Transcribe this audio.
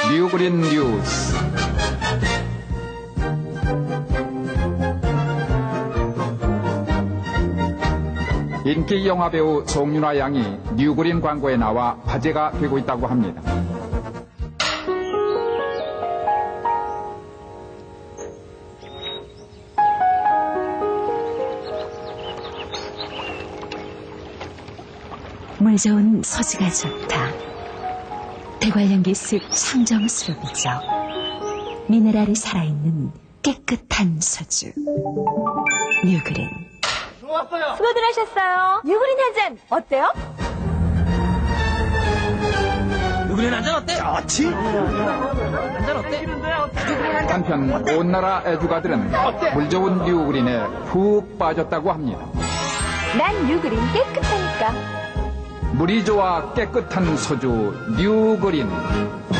뉴그린 뉴스. 인기 영화배우 송윤화 양이 뉴그린 광고에 나와 화제가 되고 있다고 합니다. 물 좋은 소주가 좋다. 대관령기 습 청정스럽이죠. 미네랄이 살아있는 깨끗한 소주. 뉴그린. 수고들 하셨어요. 뉴그린 한 잔 어때요? 누구네 한잔 어때? 좋지. 한잔 어때? 한편 온 나라 애주가들은 물 좋은 뉴그린에 푹 빠졌다고 합니다. 난 뉴그린 깨끗하니까. 물이 좋아 깨끗한 소주 뉴그린.